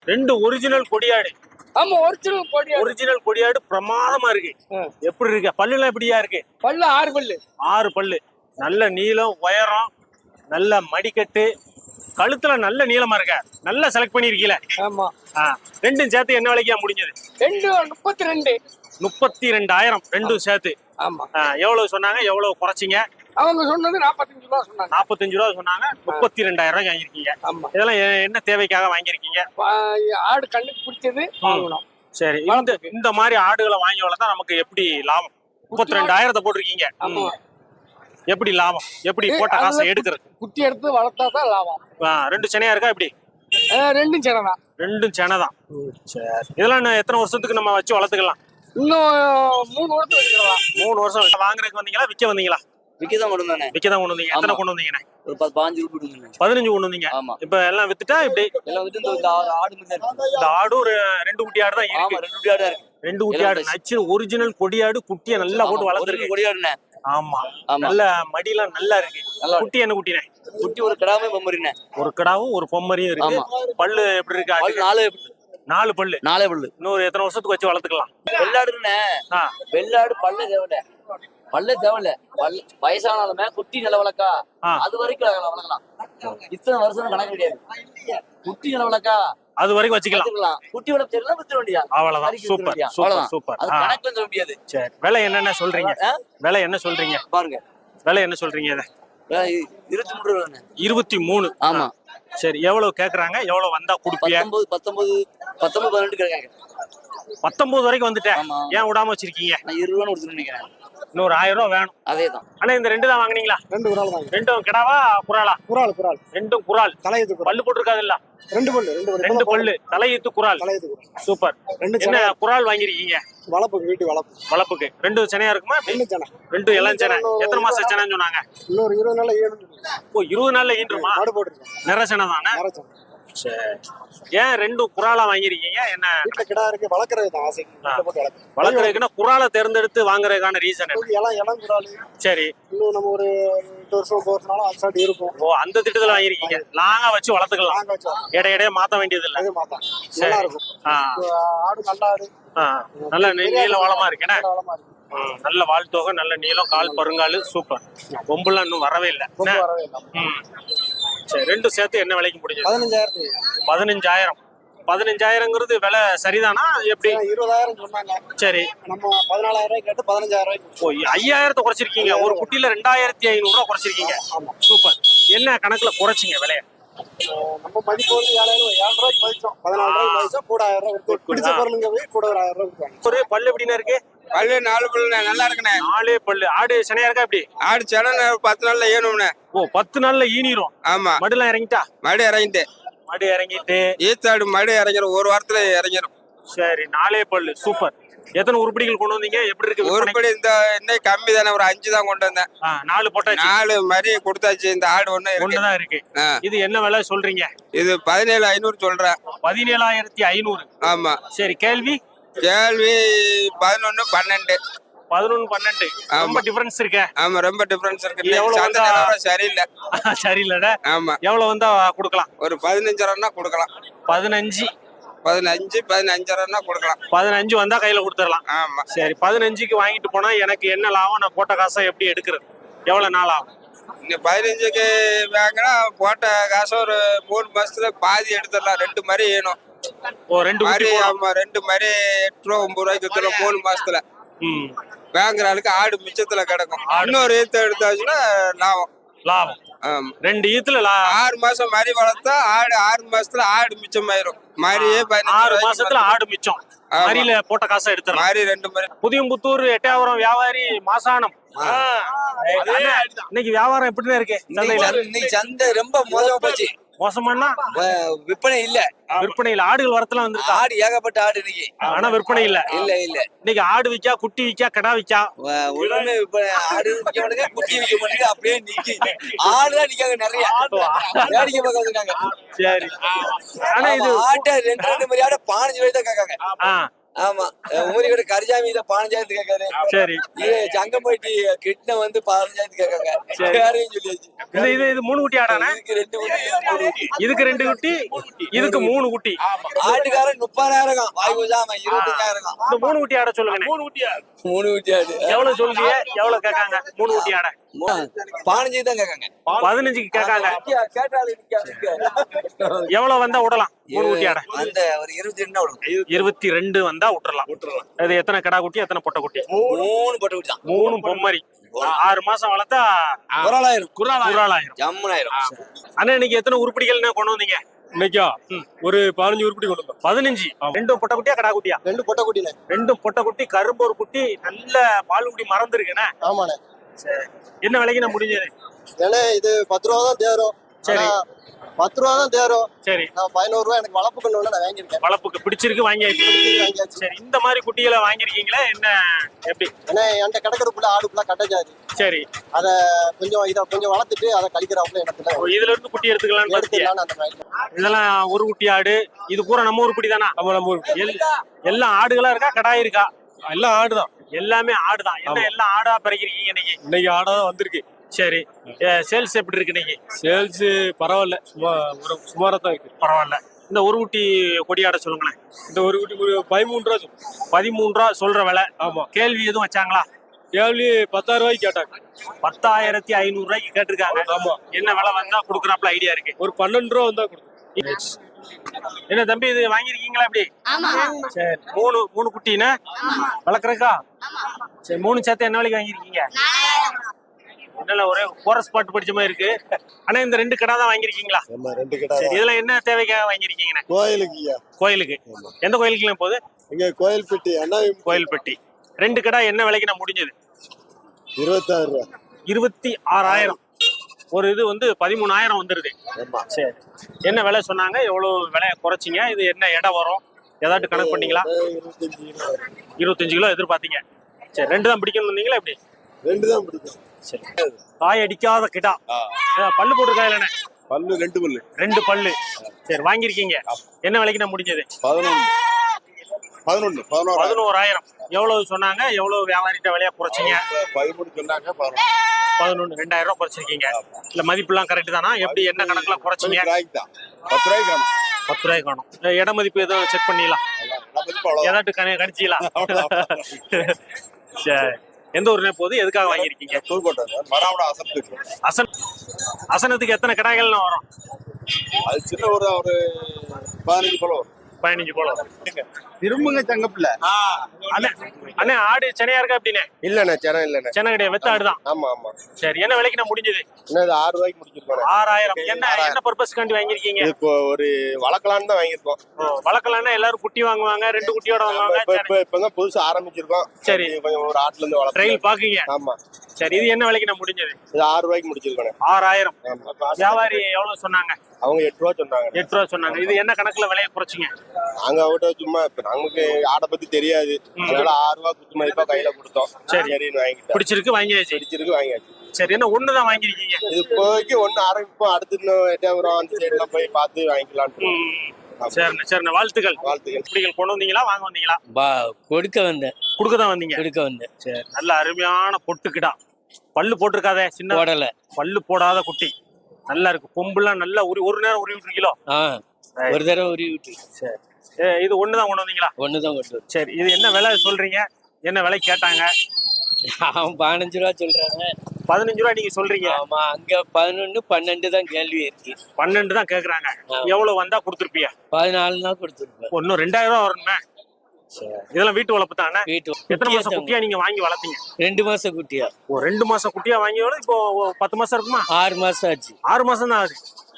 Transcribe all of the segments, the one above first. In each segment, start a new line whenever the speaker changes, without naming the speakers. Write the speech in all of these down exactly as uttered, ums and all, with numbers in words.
ரெண்டு ஒரிஜினல் கொடியாடு.
ஆமா, original கொடியாடு.
Original கொடியாடு பிரமாதமா இருக்கு. எப்படி இருக்கு? பல்லுலாம் எப்படியா இருக்கு?
பல்லு ஆறு பல்லு.
ஆறு பல்லு. நல்ல நீளம், உயரம், நல்ல மடிக்கட்டு, கழுத்துல நல்ல நீளமா இருக்க. நல்லா செலக்ட் பண்ணிருக்கீல.
ஆமா.
ரெண்டும் சேர்த்து என்ன விலைக்கா முடிஞ்சது?
ரெண்டு முப்பத்தி ரெண்டு.
முப்பத்தி ரெண்டாயிரம் ரெண்டும் சேர்த்து.
ஆமா.
எவ்வளவு சொன்னாங்க? எவ்வளவு குறைச்சிங்க?
அவங்க சொன்னது நாற்பத்தஞ்சு ரூபா சொன்னாங்க.
நாற்பத்தஞ்சு ரூபா சொன்னாங்க. முப்பத்தி ரெண்டாயிரம் ரூபாய் வாங்கிருக்கீங்க.
ஆமா.
இதெல்லாம் என்ன தேவைக்காக வாங்கிருக்கீங்க?
ஆடு கண்ணுக்கு பிடிச்சது வாங்கணும்.
சரி. இந்த இந்த மாதிரி ஆடுகளை வாங்கி வளர்த்தா நமக்கு எப்படி லாபம்? முப்பத்தி ரெண்டாயிரத்தை போட்டிருக்கீங்க.
ஆமா.
எப்படி லாபம்? எப்படி போட்ட காசை எடுக்கிறது?
குட்டி எடுத்து வளர்த்தா தான் லாபம்.
ரெண்டு செனையா இருக்கா? எப்படி?
ரெண்டும் செனை தான்.
ரெண்டும் செனை தான். சரி. இதெல்லாம் எத்தனை வருஷத்துக்கு நம்ம வச்சு வளர்த்துக்கலாம்?
இன்னும் மூணு வருஷம் வச்சுக்கலாம்.
மூணு வருஷம். வாங்குறதுக்கு வந்தீங்களா, விற்க வந்தீங்களா?
விக்கதான் கொண்டு வந்தானே.
விக்கதான் கொண்டு வந்தீங்க. எத்தனை கொண்டு வந்தீங்கண்ணே?
ஒரு பத்து பதினஞ்சு கொண்டு
பதினஞ்சு கொண்டு வந்தீங்க.
ஆமா.
இப்ப எல்லாம் வித்துட்டா இப்படி
எல்லாம் வித்து இந்த ஆடு மட்டும் இருக்கு.
இந்த ஆடு ஒரு ரெண்டு குட்டி ஆடு தான் இருக்கு.
ஆமா, ரெண்டு குட்டி ஆடு இருக்கு.
ரெண்டு குட்டி ஆடு நச்சு ஒரிஜினல் கொடியாடு. குட்டியை நல்லா போட்டு வளர்த்துருக்கு.
கொடியாடுனே.
ஆமா. நல்ல மடியெல்லாம் நல்லா இருக்கு. குட்டி என்ன குட்டினே?
குட்டி ஒரு கிடாமே பொம்மரினே.
ஒரு கிடாவும் ஒரு பொம்மரியும் இருக்கு. பல்லு எப்படி இருக்கு?
பல்லு நாலு
நாலு பல்லு.
நாலே பல்லு.
இன்னொரு எத்தனை வருஷத்துக்கு வச்சு வளர்த்துக்கலாம்?
வெள்ளாடுனே. வெள்ளாடு பல்ல தேவையில்ல. பல்ல தேவையில்ல. வயசானாலுமே குட்டி நில வளர்க்கா அது வரைக்கும் வளர்க்கலாம். இத்தனை வருஷம் கணக்கு கிடையாது. குட்டி நில வளர்க்கா
அது வரைக்கும் வச்சுக்கலாம்.
குட்டி வளர்ப்பு தெரியல வித்துற வேண்டியா?
அவ்வளவுதான். Super super super.
அது கணக்கு சொல்ல முடியாது.
சரி. விலை என்னென்ன சொல்றீங்க? விலை என்ன சொல்றீங்க?
பாருங்க.
விலை என்ன சொல்றீங்க? இத
இருபத்தி மூணு ரூபா.
இருபத்தி மூணு.
ஆமா.
சரி. எவ்வளவு கேக்குறாங்க? எவ்வளவு வந்தா கொடுப்பீங்க?
பத்தொன்பது பத்தொன்பது பத்தொன்பது பதினெட்டு கேட்காங்க.
பத்தொன்பது வரைக்கும் வந்துட்டேன். ஏன் விடாம வச்சிருக்கீங்க?
நான் இருபது ரூபா கொடுத்துட்டு நினைக்கிறேன்.
இன்னொரு ஆயிரம் ரூபா வேணும்.
அதேதான்.
ஆனா இந்த ரெண்டு தான் வாங்குனீங்களா?
ரெண்டு குறால் வாங்க.
ரெண்டும் கிடாவா குறாலா?
குறால் குறால்.
ரெண்டும் குறால்.
தலையீத்து குறால்.
பல்லு போட்டுருக்காது இல்ல?
ரெண்டு பல்லு. ரெண்டு பல்லு.
ரெண்டு பல்லு. தலையீத்து குறால்.
தலையீத்து குறால்.
சூப்பர். என்ன குறால் வாங்கிருக்கீங்க?
வளப்புக்கு, வீட்டு வளப்பு.
வளப்புக்கு. ரெண்டு செனையா இருக்குமா?
ரெண்டு செனை.
ரெண்டு இளம் செனை. எத்தனை மாசம் செனைன்னு சொன்னாங்க?
இன்னொரு இருபது நாள்ல ஈனும்.
ஓ, இருபது நாள்ல ஈன்றுமா?
மாடு போட்டுருக்கோம்.
நிற செனை தானே?
நிற செனை.
சரி. ஏன் ரெண்டு குறாலா வாங்கிருக்கீங்க? என்ன
வீட்டுல கிடா இருக்கு, வளர்க்கறது தான் ஆசை.
வளர்க்கறதுக்குன்னா குறாலை தேர்ந்தெடுத்து வாங்குறதுக்கான ரீசன் என்ன?
எல்லாம் இளம் குறால்.
சரி.
இன்னும் நம்ம ஒரு எட்டு வருஷம் போறதுனால அசால்ட் இருக்கும்.
ஓ, அந்த திட்டத்துல வாங்கிருக்கீங்க. லாங்கா வச்சு வளர்த்துக்கலாம். இடைய இடைய மாத்த வேண்டியது இல்ல.
அது மாத்தா நல்லா இருக்கும். ஆடு நல்ல ஆடு.
நல்ல நீள வளமா இருக்கேன். நல்ல வால் தொகை, நல்ல நீளம், கால் பருங்காலு. சூப்பர். கொம்புலாம் இன்னும் வரவே இல்லை. சரி. ரெண்டும் சேர்த்து என்ன விலைக்கு முடிஞ்சது?
பதினஞ்சாயிரத்து.
பதினஞ்சாயிரம். பதினஞ்சாயிரங்கிறது விலை சரிதானா? எப்படி?
இருபதாயிரம் சொன்னாங்க.
சரி.
நம்ம பதினாலாயிரம் ரூபாய் கேட்டு பதினஞ்சாயிரம் ரூபாய்க்கு.
ஓ, ஐயாயிரத்தை குறைச்சிருக்கீங்க. ஒரு குட்டியில ரெண்டாயிரத்தி ஐநூறு ரூபாய் குறைச்சிருக்கீங்க. சூப்பர். என்ன கணக்குல குறைச்சிங்க விலைய?
நம்ம மதிப்பு வந்து ஏழாயிரம் ஏழு ரூபாய்க்கு மதிச்சோம். பதினாலு ரூபாய்க்கு மதிச்சோம். கூட ஆயிரம் ரூபாய் பிடிச்ச பொருளுங்க போய் கூட ஒரு ஆயிரம் ரூபாய்.
ஒரு பல்லு எப்படின்னா இருக்கு?
பல்லு நாலு பல்லு நல்லா இருக்குண்ணே.
நாலே பல்லு. ஆடு செனையா இருக்கா? எப்படி?
ஆடு சென பத்து நாள்ல ஏணும்ண்ணே.
ஓ, பத்து நாள்ல ஈனிரும்.
ஆமா.
மடுலாம் இறங்கிட்டா?
மடு இறங்கிட்டு.
மடு இறங்கிட்டு
ஈத்தாடு மடு இறங்கிடும். ஒரு வாரத்துல இறங்கிடும்.
சரி. நாலே பல்லு. சூப்பர். எத்தனை உருப்படிகள் கொண்டு வந்தீங்க? எப்படி இருக்கு
உருப்படி? இந்த இன்னைக்கு கம்மி தானே, ஒரு அஞ்சு தான் கொண்டு வந்தேன்.
நாலு போட்டாச்சு.
நாலு மாதிரி கொடுத்தாச்சு. இந்த ஆடு ஒண்ணு
ஒண்ணுதான் இருக்கு. இது என்ன விலை சொல்றீங்க?
இது பதினேழு ஐநூறு சொல்றேன்.
பதினேழாயிரத்தி ஐநூறு.
ஆமா.
சரி. கேள்வி
கேள்வி பதினொன்னு பன்னெண்டு.
பதினொன்னு பன்னெண்டு. ரொம்ப டிஃபரன்ஸ் இருக்கு.
ஆமா, ரொம்ப டிஃபரன்ஸ் இருக்கு. சரியில்லை.
சரியில்லடா.
ஆமா.
எவ்வளவு வந்தா கொடுக்கலாம்?
ஒரு பதினஞ்சு ரூபா கொடுக்கலாம்.
பதினஞ்சு.
பதினஞ்சு பதினஞ்சு ரூபா கொடுக்கலாம்.
பதினஞ்சு வந்தா கையில கொடுத்துடலாம்.
ஆமா.
சரி. பதினஞ்சுக்கு வாங்கிட்டு போனா எனக்கு என்ன லாபம்? நான் போட்ட காசை எப்படி எடுக்கிறது? எவ்வளவு நாள் ஆகும்?
இந்த பதினஞ்சுக்கு வாங்கினா போட்ட காசு ஒரு மூணு மாசத்துல பாதி எடுத்துடலாம். ரெண்டு மாதிரி ஏணும்.
ஓ, ரெண்டு
மாதிரி. ஆமா, ரெண்டு மாதிரி எட்டு ரூபா ஒன்பது ரூபாய்க்கு வித்துறோம் மூணு மாசத்துல. வாங்குற ஆளுக்கு ஆடு மிச்சத்துல கிடக்கும். இன்னொரு ஈத்து எடுத்தாச்சுன்னா லாபம்.
லாபம். ரெண்டு ஈத்துல
ஆறு மாசம் மாதிரி வளர்த்தா ஆடு ஆறு மாசத்துல ஆடு மிச்சம் ஆயிரும். மாதிரியே
ஆறு மாசத்துல ஆடு மிச்சம். மாதிரில போட்ட காசை எடுத்துறோம்.
மாதிரி ரெண்டு மாதிரி.
புதியம்புத்தூர் எட்டயபுரம் வியாபாரி மாசானம். இன்னைக்கு வியாபாரம் எப்படின்னு இருக்கு?
இன்னைக்கு சந்தை ரொம்ப மோசமா போச்சு.
மோசமானா
விற்பனை இல்ல.
விற்பனை இல்ல. ஆடுகள் வரத்துல வந்துருக்கு.
ஆடு ஏகப்பட்ட ஆடு இன்னைக்கு.
ஆனா விற்பனை இல்ல.
இல்ல இல்ல.
இன்னைக்கு ஆடு விக்கா, குட்டி விக்கா, கடா விக்கா?
ஒண்ணுமே ஆடு விக்க மாட்டேங்க, குட்டி விக்க மாட்டேங்க. அப்படியே நிக்கி ஆடுதான் நிக்காங்க. நிறைய வேடிக்கை பார்க்க வந்திருக்காங்க.
சரி. ஆனா இது
ஆட்டை ரெண்டு ரெண்டு மாதிரி ஆடு பதினஞ்சு ரூபாய் தான் கேட்காங்க.
ஆமா உமரி கூட கரிஜாமி இத பதினஞ்சாயிரத்து கேட்காரு.
சரி.
இது சங்கம்பட்டி கிட்ன வந்து பதினஞ்சாயிரத்து கேட்காங்க. யாரையும் சொல்லியாச்சு.
இது இது இது மூணு குட்டி ஆடானே.
இதுக்கு ரெண்டு குட்டி மூணு குட்டி.
இதுக்கு ரெண்டு குட்டி இதுக்கு மூணு குட்டி.
ஆட்டுக்காரன் முப்பதாயிரம் வாய் பூஜாம இருபத்தஞ்சாயிரம்.
இந்த மூணு குட்டி ஆட சொல்லுங்க. மூணு குட்டி
மூணு குட்டி ஆடு
எவ்வளவு சொல்றீங்க? எவ்வளவு கேட்காங்க மூணு குட்டி ஆட?
பதினஞ்சு தான் கேட்காங்க.
பதினஞ்சுக்கு கேட்காங்க.
கேட்டாலும்
எவ்வளவு வந்தா விடலாம் மூணு குட்டி ஆட?
அந்த ஒரு இருபத்தி ரெண்டு விடும்.
இருபத்தி ரெண்டு வந்தா விட்டுறலாம். விட்டுறலாம். அது எத்தனை கடா குட்டி எத்தனை பொட்டை குட்டி?
மூணு பொட்டை குட்டி தான்.
மூணு பொம்மரி. ஆறு மாசம் வளர்த்தா
குராலாயிரம்.
குராலாயிரம்
ஜம்முனாயிரம்.
அண்ணா இன்னைக்கு எத்தனை உருப்படிகள் கொண்டு வந்தீங்க?
இன்னைக்கா ஒரு பதினஞ்சு உருப்படி கொண்டு வந்தோம்.
பதினஞ்சு. ரெண்டும் பொட்டை குட்டியா கடா குட்டியா?
ரெண்டு பொட்டை குட்டினே.
ரெண்டும் பொட்டை குட்டி. கரும்பு ஒரு குட்டி. நல்ல பால் குட்டி மறந்துருக்குண்ணே.
ஆமாண்ணே.
சரி. என்ன விலைக்கு நான் முடிஞ்சது?
ஏன்னா இது பத்து ரூபா தான் தேரும்.
சரி.
பத்து ரூபா தான் தேரும்.
சரி.
நான் பதினோரு ரூபா எனக்கு வளர்ப்பு கண்ணு நான் வாங்கியிருக்கேன்.
வளர்ப்புக்கு பிடிச்சிருக்கு வாங்கியாச்சு.
வாங்கியாச்சு.
சரி. இந்த மாதிரி குட்டிகளை வாங்கிருக்கீங்களா என்ன எப்படி?
ஏன்னா என்கிட்ட கிடக்கிறதுக்குள்ள ஆடுக்குள்ள கட்டச்சாரு.
சரி.
அத கொஞ்சம் இதை கொஞ்சம் வளர்த்துட்டு அதை கழிக்கிறாப்புல எனக்கு
இதுல இருந்து குட்டி எடுத்துக்கலாம்னு
எடுத்துக்கலாம்னு அந்த மாதிரி.
இதெல்லாம் ஒரு குட்டி ஆடு. இது பூரா நம்ம ஊர் குட்டி தானா?
நம்ம நம்ம ஊர்
எல்லாம் ஆடுகளா இருக்கா கடாய் இருக்கா?
எல்லாம் ஆடுதான்.
எல்லாமே ஆடுதான். என்ன எல்லாம் ஆடா பறிக்கிறீங்க இன்னைக்கு?
இன்னைக்கு ஆடாதான் வந்திருக்கு.
சரி. சேல்ஸ் எப்படி இருக்கு இன்னைக்கு?
சேல்ஸ் பரவாயில்ல. சும்மா ஒரு சுமாரா தான் இருக்கு.
பரவாயில்ல. இந்த ஒரு குட்டி கொடி ஆட சொல்லுங்களேன்.
இந்த ஒரு குட்டி பதிமூணு ரூபா
பதிமூணு ரூபா சொல்ற விலை.
ஆமா.
கேள்வி எதுவும் வச்சாங்களா?
கேள்வி பத்தாயிரம் ரூபாய்க்கு கேட்டாங்க.
பத்தாயிரத்தி ஐநூறு ரூபாய்க்கு கேட்டிருக்காங்க.
ஆமா.
என்ன விலை வந்தா கொடுக்குறாப்ல ஐடியா இருக்கு?
ஒரு பன்னெண்டு ரூபா வந்தா கொடுக்கும்.
என்ன தம்பி இது வாங்கிருக்கீங்களா எப்படி? சரி. மூணு மூணு குட்டினா வளர்க்குறக்கா? சரி. மூணு சேர்த்து என்ன விலைக்கு வாங்கிருக்கீங்க? என்னல ஒரே கோரஸ் பாட்டு படிச்ச மாதிரி இருக்கு. ஆனா இந்த ரெண்டு கடை தான் வாங்கிருக்கீங்களா?
ஆமா ரெண்டு கடை.
இதுல என்ன தேவைக்காக வாங்கிருக்கீங்க?
கோயிலுக்கு.
கோயிலுக்கு. எந்த கோயிலுக்குலாம் போகுது?
இங்க கோயில்பட்டி. அண்ணா
கோயில்பட்டி. ரெண்டு கடை என்ன விலைக்கு நான் முடிஞ்சது?
இருபத்தாயிரம் ரூபா. இருபத்தி
ஆறாயிரம். ஒரு இது வந்து பதிமூணாயிரம் வந்துருது. சரி. என்ன விலை சொன்னாங்க? எவ்வளவு விலையை குறைச்சிங்க? இது என்ன இடம் வரும்? ஏதாட்டு கணக்கு பண்ணீங்களா? இருபத்தஞ்சு கிலோ எதிர்பார்த்தீங்க. சரி. ரெண்டு தான் பிடிக்கணும் வந்தீங்களா எப்படி?
ரெண்டு தான் பிடிக்கும்.
சரி. காய் அடிக்காத கிடா. பல்லு போட்டிருக்கா இல்லைண்ணே?
பல்லு ரெண்டு பல்லு.
ரெண்டு பல்லு. சரி. வாங்கிருக்கீங்க. என்ன விலைக்கு நான் முடிஞ்சது?
பதினொன்று பதினொன்று பதினோரு
பதினோராயிரம். எவ்வளவு சொன்னாங்க? எவ்வளவு வியாபாரிட்ட விலையா குறைச்சிங்க?
பதிமூணு சொன்னாங்க.
பதினொன்று ரெண்டாயிரம் ரூபாய் குறைச்சிருக்கீங்க. இல்ல மதிப்பு எல்லாம் கரெக்ட் தானா? எப்படி என்ன கணக்குல குறைச்சிங்க?
பத்து ரூபாய்க்கு காணும்.
பத்து ரூபாய்க்கு காணும். இட மதிப்பு எதுவும் செக் பண்ணிடலாம். ஏதாட்டு கணி கணிச்சிக்கலாம். சரி. எந்த ஊர்னே போகுது? எதுக்காக வாங்கியிருக்கீங்க? அசன் அசனத்துக்கு எத்தனை கடாய்கள் வரும்?
அது சின்ன ஒரு ஒரு பதினஞ்சு போல வரும்.
பதினஞ்சு போல
திரும்புங்க தங்கப்பில்ல.
அண்ணே ஆடு சென்னையா இருக்கா அப்படின்னே?
இல்லண்ணே சென்னை இல்லண்ணே.
சென்னை கிடையாது. வெத்த ஆடுதான்.
ஆமா ஆமா.
சரி. என்ன விலைக்கு நான் முடிஞ்சது?
என்ன ஆறு ரூபாய்க்கு முடிச்சிருக்கோம்.
ஆறாயிரம். என்ன என்ன பர்பஸ்க்காண்டி வாங்கிருக்கீங்க?
இப்போ ஒரு வளர்க்கலான்னு தான் வாங்கியிருக்கோம்.
வளர்க்கலாம்னா எல்லாரும் குட்டி வாங்குவாங்க. ரெண்டு குட்டியோட வாங்குவாங்க.
இப்பதான் புதுசா ஆரம்பிச்சிருக்கோம்.
சரி.
கொஞ்சம் ஒரு ஆட்டுல இருந்து வளர்க்க
ட்ரையல் பாக்குறீங்க.
ஆமா.
சரி. இது என்ன விலைக்கு நான் முடிஞ்சது?
இது ஆறு ரூபாய்க்கு முடிச்சிருக்கோம்.
ஆறாயிரம். வியாபாரி எவ்வளவு சொன்னாங்க?
அவங்க எட்டு ரூபா சொன்னாங்க.
எட்டு ரூபா சொன்னாங்க. இது என்ன கணக்குல விலையை குறைச்சிங்க?
நாங்க அவட்ட சும்மா நமக்கு ஆடை பத்தி தெரியாது. அதனால ஆறு ரூபா குத்து மதிப்பா கையில கொடுத்தோம்.
சரி.
வாங்கிட்டோம்.
பிடிச்சிருக்கு வாங்கியாச்சு.
பிடிச்சிருக்கு வாங்கியாச்சு.
சரி. என்ன ஒண்ணுதான் வாங்கிருக்கீங்க?
இது இப்போதைக்கு ஒண்ணு ஆரம்பிப்போம். அடுத்து இன்னும் எட்டாயிரம் அந்த சைட்ல போய் பார்த்து வாங்கிக்கலாம்னு.
சரிண்ணே சரிண்ணே. வாழ்த்துக்கள்.
வாழ்த்துக்கள்.
குட்டிகள் கொண்டு வந்தீங்களா வாங்க வந்தீங்களா?
கொடுக்க வந்தேன்.
கொடுக்க தான் வந்தீங்க.
கொடுக்க வந்தேன்.
சரி. நல்ல அருமையான பொட்டுக்கிடா. பல்லு போட்டிருக்காதே? சின்ன
போடல.
பல்லு போடாத குட்டி. நல்லா இருக்கு. கொம்புலாம் நல்லா உரி ஒரு நேரம் உருவி விட்டுருக்கீங்களோ?
ஒரு தடவை உருவி விட்டு.
சரி. இது ஒண்ணுதான் கொண்டு வந்தீங்களா?
ஒண்ணுதான் கொண்டு.
சரி. இது என்ன விலை சொல்றீங்க? என்ன விலை கேட்டாங்க?
அவன் பதினஞ்சு ரூபா சொல்றாங்க.
பதினஞ்சு ரூபா நீங்க சொல்றீங்க.
ஆமா. அங்க பதினொன்னு பன்னெண்டு தான் கேள்வி இருக்கு.
பன்னெண்டு தான் கேக்குறாங்க. எவ்வளவு வந்தா கொடுத்துருப்பிய?
பதினாலு தான் கொடுத்துருப்பேன்.
ஒன்னும் ரெண்டாயிரம் ரூபா வரணுமே. இதெல்லாம் வீட்டு வளர்ப்பு தானே?
வீட்டு.
எத்தனை மாசம் குட்டியா நீங்க வாங்கி வளர்த்தீங்க?
ரெண்டு மாசம் குட்டியா.
ஒரு ரெண்டு மாசம் குட்டியா வாங்கி இப்போ பத்து மாசம் இருக்குமா?
ஆறு மாசம் ஆச்சு.
ஆறு மாசம் தான் ஆகுது.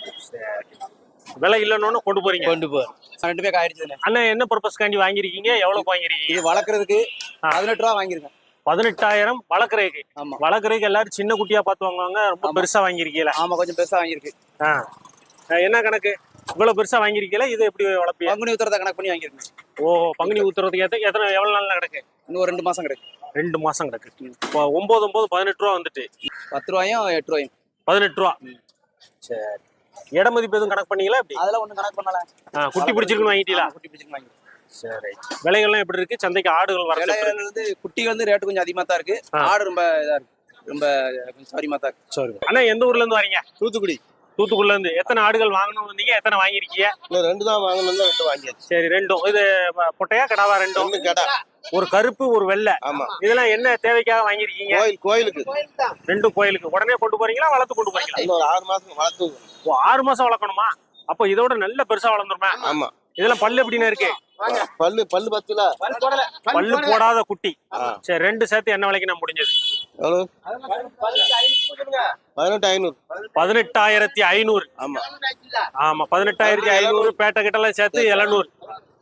விலை இல்லைன்னு கொண்டு போறீங்க?
கொண்டு போறோம். ரெண்டு பேருக்கு ஆயிடுச்சு.
அண்ணா என்ன பர்பஸ்க்காண்டி வாங்கிருக்கீங்க? எவ்வளவு வாங்கிருக்கீங்க?
இது வளர்க்கறதுக்கு பதினெட்டு ரூபா வாங்கிருக்கேன்.
பதினெட்டாயிரம் வளர்க்குறதுக்கு.
ஆமா.
வளர்க்குறதுக்கு எல்லாரும் சின்ன குட்டியா பார்த்து வாங்குவாங்க. ரொம்ப பெருசா வாங்கிருக்கீங்களா?
ஆமா கொஞ்சம் பெருசா வாங்கிருக்கு.
என்ன கணக்கு? இவ்வளவு பெருசா வாங்கிருக்கீங்களா? இது எப்படி வளர்ப்பீங்க?
பங்குனி உத்தரத்தை கணக்கு பண்ணி வாங்கிருக்கேன்.
ஓ பங்குனி உத்தரத்துக்கு ஏத்த எத்தனை எவ்வளவு நாள்ல கிடக்கு?
இன்னும் ரெண்டு மாசம் கிடக்கு.
ரெண்டு மாசம் கிடக்கு. இப்போ ஒன்பது ஒன்பது பதினெட்டு ரூபா வந்துட்டு.
பத்து ரூபாயும் எட்டு ரூபாயும்.
பதினெட்டு ரூபா. சரி. இட மதிப்பு எதுவும் கணக்கு பண்ணீங்களா? எப்படி?
அதெல்லாம் ஒண்ணும் கணக்கு பண்ணல.
குட்டி பிடிச்சிருக்குன்னு வாங்கிட்டீங்களா?
குட்டி பிடிச்சிருக்கு வாங்கி.
சரி. விலைகள்லாம் எப்படி இருக்கு? சந்தைக்கு ஆடுகள் வர
விலைகள் வந்து குட்டி வந்து ரேட்டு கொஞ்சம் அதிகமா தான் இருக்கு. ஆடு ரொம்ப இதா இருக்கு. ரொம்ப கொஞ்சம் சௌரியமா தான் இருக்கு.
சரி. அண்ணா எந்த ஊர்ல இருந்து வரீங்க?
தூத்துக்குடி.
தூத்துக்குடில இருந்து. எத்தனை ஆடுகள் வாங்கணும் வந்தீங்க? எத்தனை வாங்கிருக்கீங்க?
இன்னும் ரெண்டு தான் வாங்கணும், ரெண்டு வாங்கியாச்சு.
சரி, ரெண்டும். இது பொட்டையா கடாவா? ரெண்டும்.
ரெண்டு கடை.
ஒரு கருப்பு ஒரு வெள்ளை.
ஆமா.
இதெல்லாம் என்ன தேவைக்காக வாங்கிருக்கீங்க?
கோயில் கோயிலுக்கு.
ரெண்டும் கோயிலுக்கு. உடனே கொண்டு போறீங்களா வளர்த்து கொண்டு போறீங்களா?
இன்னும் ஒரு ஆறு மாசம் வளர்த்து.
ஓ, ஆறு மாசம் வளர்க்கணுமா? அப்ப இதோட நல்ல பெருசா வளர்ந்துருமா?
ஆமா.
இதெல்லாம் பல்லு எப்படின்னு இருக்கு?
பல்லு பல்லு பத்துல
பல்லு போடாத குட்டி. சரி, ரெண்டு சேர்த்து என்ன விலைக்கு நான் முடிஞ்சது?
எவ்வளவு? பதினெட்டு ஐநூறு.
பதினெட்டாயிரத்தி ஐநூறு.
ஆமா
ஆமா, பதினெட்டாயிரத்தி ஐநூறு. பேட்டை கிட்ட எல்லாம் சேர்த்து எழுநூறு.